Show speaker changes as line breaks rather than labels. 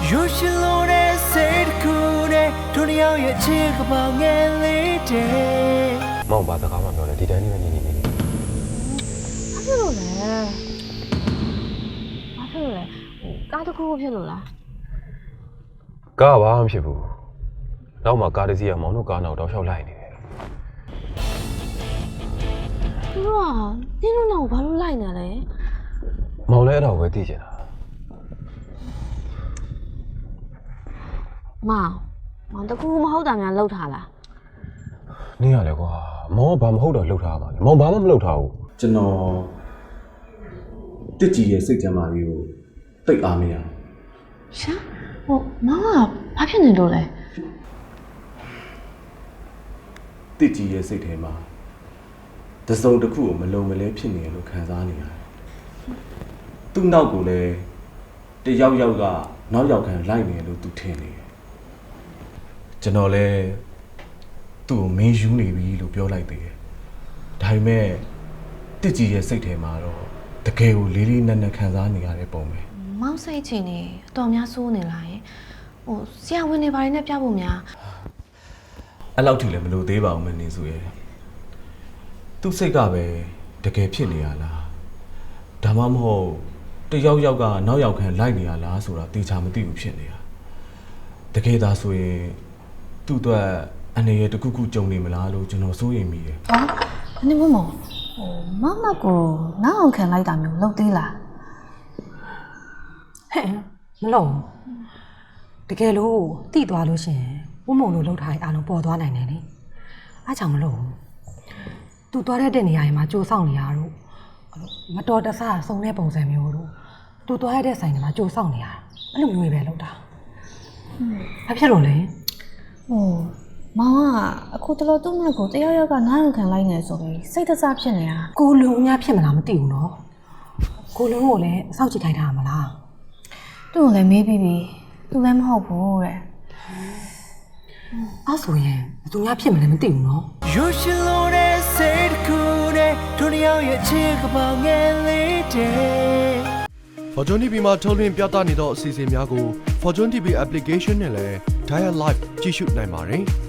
You should know that said cool day တို့နှစ်ယောက်ရဲ့ချစ်ကပောင်ငယ်လေးတဲ့
မောင်ဘာစကားမှပြောလဲဒီတိုင်းနဲ့နေနေနေ
ဘာဖြစ်လို့လဲကားတစ်ခုခုဖြစ်လို့လား
ကားဘာမှဖြစ်ဘူးနောက်မှကားတစ်စီးကမောင်တို့ကားနောက်တော့ရှောက်လိုက်နေတယ်
သူတို့ကနင်းတို့နောက်ဘာလို့လိုက်နေလဲ
မောင်လည်းအဲ့ဒါကိုပဲသိချင်တာ
မောင်တကူမဟုတ်တာများလှုပ်ထားလား
နင်းရလေကွာမောင်ကဘာမဟုတ်တော့လှုပ်ထားပါလေမောင်ဘာမှမလှုပ်ထားဘူး
ကျွန်တော်တစ်ကြည်ရဲ့စိတ်ကြမ်းမာရေးကိုတိတ်အားမရ
ရှာမောင်ကဘာဖြစ်နေလို့လဲ
တစ်ကြည်ရဲ့စိတ်ထဲမှာတစုံတစ်ခုကိုမလုံမလဲဖြစ်နေရလို့ခံစားနေရတယ်သူ့နောက်ကိုလည်းတယောက်ယောက်ကနောက်ယောက်ခံလိုက်နေလို့သူထင်နေတယ်ကျွန်တော်လည်းသူ့ကိုမင်းယူနေပြီလို့ပြောလိုက်သေးတယ်ဒါပေမဲ့တစ်ကြည်ရဲ့စိတ်ထဲမှာတော့တကယ်ကိုလေးလေးနက်နက်ခံစားနေရတဲ့ပုံပဲ
မောင်စိတ်ချင်နေအတော်များစိုးနေလားယင်ဆရာဝန်တွေဘာတွေနဲ့ပြဖို့များ
အဲ့လောက်ထိလည်းမလို့သေးပါဘူးမနေစုရဲ့သူ့စိတ်ကပဲတကယ်ဖြစ်နေရလားဒါမှမဟုတ်တယောက်ယောက်ကနောက်ယောက်ခံလိုက်နေရလားဆိုတာတေချာမသိဘူးဖြစ်နေတာတကယ်သာဆိုရင်သူ့အတွက်အနေရတစ်ခုခုကြုံနေမလားလို့ကျွန်တော်စိုးရိမ်မိတယ်
နင်းမောင်မောင်နောက်ကိုနောက်အောင်ခံလိုက်တာမျိုးလုပ်သေးလား
ဟဲ့မလုံးတကယ်လို့တိသွားလို့ရှင်ဥမုံလို့လှုပ်ထားရင်အားလုံးပေါ်သွားနိုင်တယ်လေအားကြောင့်မလို့သူသွားတဲ့နေရာတွေမှာကြိုးဆောင်နေရတော့မတော်တဆဆုံတဲ့ပုံစံမျိုးတို့သူသွားရတဲ့ဆိုင်တွေမှာကြိုးဆောင်နေရအဲ့လိုမျိုးပဲလှုပ်တာဘာဖြစ်လို့လဲ
မောင်ကအခုတလို့သူ့နောက်ကိုတယောက်ယောက်ကနောက်အောင်ခံလိုက်နေဆိုပြီးစိတ်တဆဖြစ်နေတာ
ကိုလုံအများဖြစ်မလားမသိဘူးနော်ကိုလုံကိုလည်းအဆောက်ကြည့်ခိုင်းထားမှာလား
သူ့ကိုလည်းမေးပြီးပြီသူလည်းမဟုတ်ဘူးတဲ့
အဲ့ဆိုရင်ဘယ်သူများဖြစ်မလဲမသိဘူးနော်
You should know that said cool day တို့နှစ်ယောက်ရဲ့ချစ်ကပောင်ငယ်လေးတဲ့
Fortune TV မှာထုတ်လွှင့်ပြသနေသောအစီအစဉ်များကို Fortune TV application နဲ့လည်း Dial Live ကြည့်ရှုနိုင်ပါတယ်။